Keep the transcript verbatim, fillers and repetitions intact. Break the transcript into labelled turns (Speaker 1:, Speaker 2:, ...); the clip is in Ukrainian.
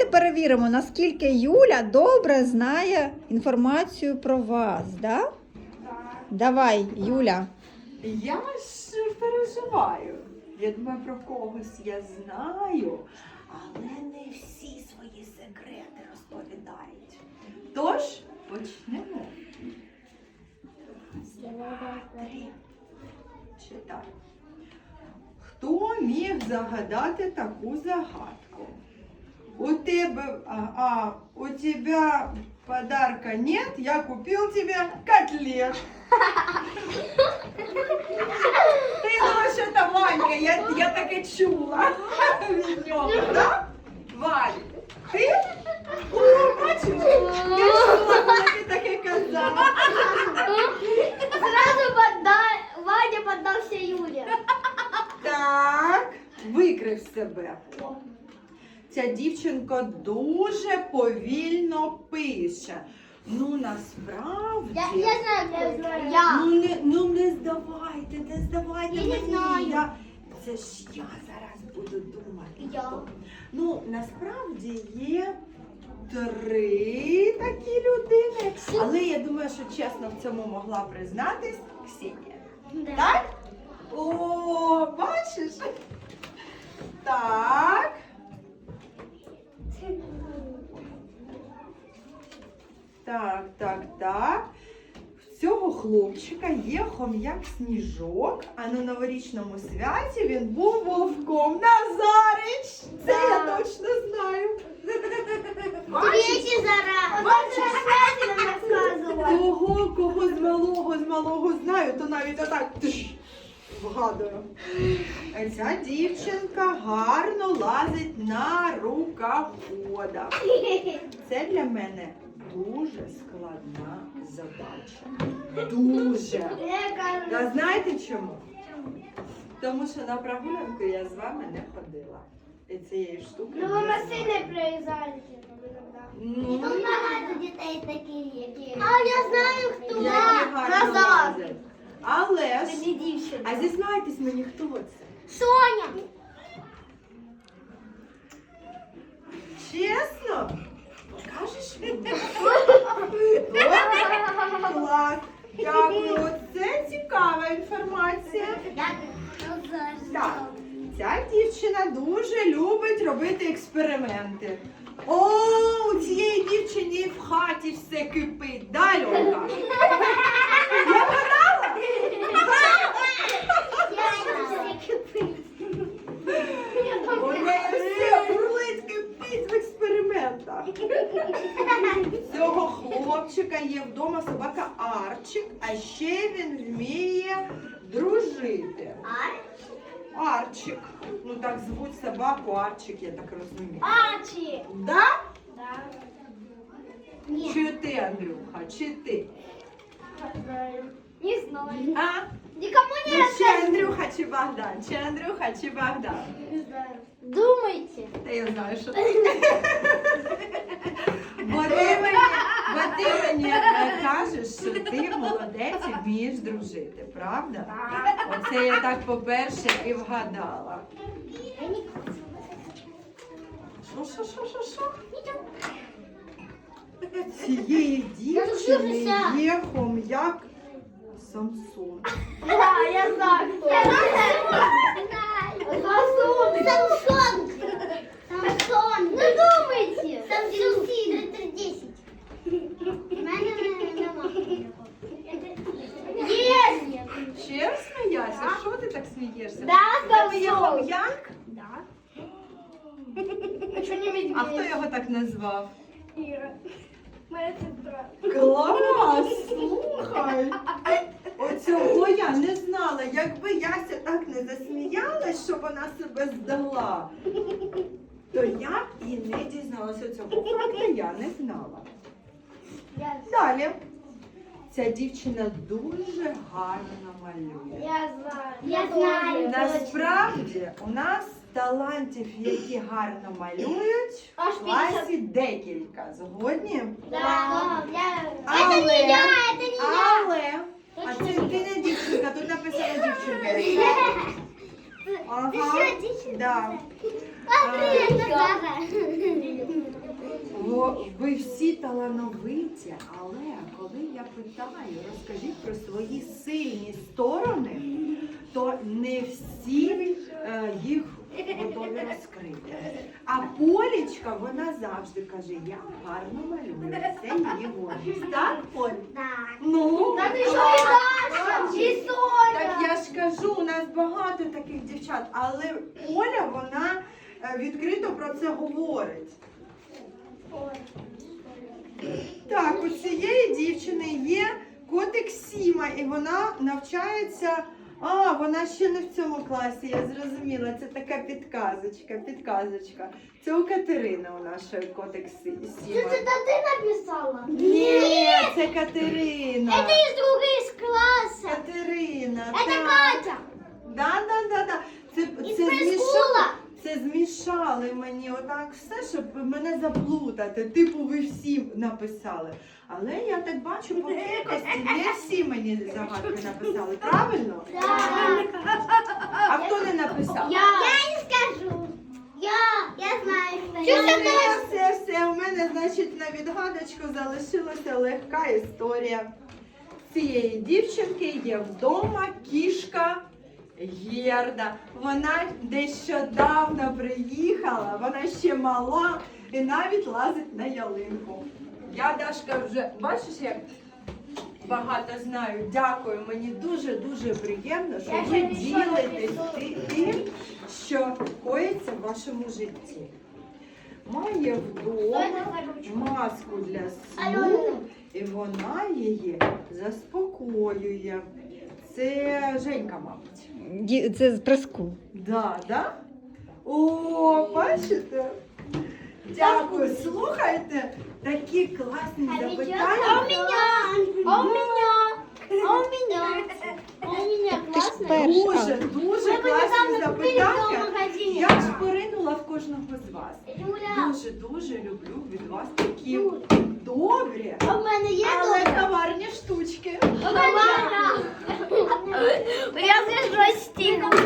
Speaker 1: давайте перевіримо, наскільки Юля добре знає інформацію про вас, да?
Speaker 2: Так.
Speaker 1: Давай, Юля.
Speaker 3: Я ж переживаю. Я думаю, про когось я знаю, але не всі свої секрети розповідають. Тож, почнемо. Раз, два, три. Читай. Хто міг загадати таку загадку? У тебе, а, а у тебя подарка нет, я купил тебе котлет. Ти думаєш, що це Ванька, я, я таке чула від нього, так? Вань, ти? О, бачиш, я чула, коли ти таке казала.
Speaker 2: Сразу подда- Ваня поддался Юле.
Speaker 3: Так, викрив себе. Ця дівчинка дуже повільно пише. Ну, насправді...
Speaker 2: Я, я знаю, кто это. Я.
Speaker 3: Ну, не, ну, не здавайте, не здавайте
Speaker 2: Я не
Speaker 3: мені.
Speaker 2: знаю.
Speaker 3: Я... Це ж я зараз буду думати.
Speaker 2: Я.
Speaker 3: хто. Ну, насправді є три такі людини. Але я думаю, що чесно в цьому могла признатись Ксенія.
Speaker 2: Да.
Speaker 3: Так? О, бачиш? Так. Так, так, так. В цього хлопчика є хом'як Сніжок, а на новорічному святі він був вовком. Назарич! Це я
Speaker 2: Да.
Speaker 3: точно знаю.
Speaker 2: Третий зараз.
Speaker 3: Бачиш?
Speaker 2: Бачиш, нам рассказывала.
Speaker 3: Кого, кого з малого, з малого знаю, то навіть отак тш, вгадую. А ця дівчинка гарно лазить на рукоходах. Це для мене дуже складна задача. Дуже. Та знаєте чому? Тому що на прогулянку я з вами не ходила. І цієї штуки.
Speaker 2: Ну,
Speaker 3: не
Speaker 2: вы
Speaker 3: знаю.
Speaker 2: машиной проезжаете иногда.
Speaker 3: Ну,
Speaker 2: багато дітей такі. А я знаю, хто.
Speaker 3: які гарно лазять. Але ж,
Speaker 2: Це дівчинка.
Speaker 3: а зізнайтесь мені, хто це?
Speaker 2: Соня.
Speaker 3: Чесно? Покажеш мені? Клас. Дякую. Це цікава інформація. Так, ця дівчина дуже любить робити експерименти. О, у цієї дівчині в хаті все кипить. Да, Льонка? Я вгадала? У неї все бурлить, кипить в експериментах. У цього хлопчика є вдома собака Арчик, а ще він вміє дружити. Арчик. Ну так звуть собаку Арчик, я так розумію.
Speaker 2: Арчі.
Speaker 3: Да?
Speaker 2: Да.
Speaker 3: Чи ти, Андрюха, чи ти?
Speaker 2: Не знаю.
Speaker 3: А?
Speaker 2: Никому не
Speaker 3: Ну, чи
Speaker 2: рассказывай.
Speaker 3: Андрюха, чи Богдан? Чи Андрюха, чи Богдан?
Speaker 2: Не знаю. Думайте.
Speaker 3: Та я знаю, що ти. Бо ти мені, бо ти мені е, кажеш, що ти молодець і вмієш дружити, правда? Оце я так по-перше і вгадала. Що, що, що, що, що? Цієї дівчини є хом'як Самсон.
Speaker 2: Да, я знаю, кто. Самсон. Самсон. Самсон. Ну думайте. Самсон три десять. Есть.
Speaker 3: Ще сміяся? Що ти так смієшся?
Speaker 2: Да,
Speaker 3: Це є
Speaker 2: Самсон.
Speaker 3: хом'як?
Speaker 2: Да. А что не медведь?
Speaker 3: А хто його так назвав?
Speaker 2: Ира. Моя сестра.
Speaker 3: Клас! Слухай! Оцього я не знала. Якби Яся так не засміялась, що вона себе здала, то я б і не дізналася цього факту, я не знала.
Speaker 2: Я,
Speaker 3: Далі. Ця дівчина дуже гарно малює.
Speaker 2: я знаю. Я знаю.
Speaker 3: Насправді у нас талантів, які гарно малюють,
Speaker 2: Аж
Speaker 3: в класі декілька. Згодні?
Speaker 2: Да. Я...
Speaker 3: Але-
Speaker 2: Это не я, это не я.
Speaker 3: Але, а це ти не дівчинка, тут написано дівчинка. Ага,
Speaker 2: Ты что, дичь?
Speaker 3: да.
Speaker 2: Смотри, это Зара.
Speaker 3: що ви всі талановиті, але коли я питаю, розкажіть про свої сильні сторони, то не всі е, їх готові розкрити. А Полічка, вона завжди каже, я гарно малюю, це її гордість. Так, Поль?
Speaker 2: Так.
Speaker 3: Ну,
Speaker 2: Так і що і Даша, і Соня.
Speaker 3: так я ж кажу, у нас багато таких дівчат, але Оля, вона е, відкрито про це говорить. Так, у цієї дівчини є котик Сіма, і вона навчається. А, вона ще не в цьому класі, я зрозуміла. Це така підказочка, підказочка. Це у Катерини у нашої котик Сі-
Speaker 2: Що
Speaker 3: Сіма.
Speaker 2: це ти написала?
Speaker 3: Ні, це Катерина.
Speaker 2: Это из другой из класса.
Speaker 3: Катерина.
Speaker 2: Это
Speaker 3: так.
Speaker 2: Катя.
Speaker 3: Да, да, да, да. Це,
Speaker 2: Із
Speaker 3: це, змішали,
Speaker 2: прискула.
Speaker 3: це змішали мені отак все, щоб мене заплутати. Типу, ви всі написали. Але я так бачу по кількості, не всі мені загадки написали. Правильно? А хто не написав?
Speaker 2: Я. Я не скажу. Я. Я знаю, что
Speaker 3: Все,
Speaker 2: я.
Speaker 3: все, все. У мене, значить, на відгадочку залишилася легка історія. Цієї дівчинки є вдома кішка Герда. Вона нещодавно приїхала, вона ще мала і навіть лазить на ялинку. Я, Дашка, вже, бачиш, як багато знаю. Дякую, мені дуже-дуже приємно, що
Speaker 2: Я
Speaker 3: ви
Speaker 2: ще нічого не
Speaker 3: ділитесь ти- тим, що коїться в вашому житті. Має вдома маску для сну, і вона її заспокоює. Це Женька, мабуть.
Speaker 1: Ді- Це з приску.
Speaker 3: Да, да? О, бачите? Дякую, слухайте, такі класні
Speaker 2: А
Speaker 3: запитання.
Speaker 2: у меня. А у меня. А у меня. А у меня
Speaker 1: Ти ж
Speaker 2: классно.
Speaker 1: перша.
Speaker 3: Дуже, дуже
Speaker 2: Ми
Speaker 3: класні
Speaker 2: недавно купили в цьому
Speaker 3: запитання.
Speaker 2: магазині.
Speaker 3: Я ж поринула в кожного з вас.
Speaker 2: Юля.
Speaker 3: Дуже, дуже люблю від вас такі добрі,
Speaker 2: А в мене є
Speaker 3: але
Speaker 2: добре?
Speaker 3: коварні штучки.
Speaker 2: У мене. Я зі жостиком.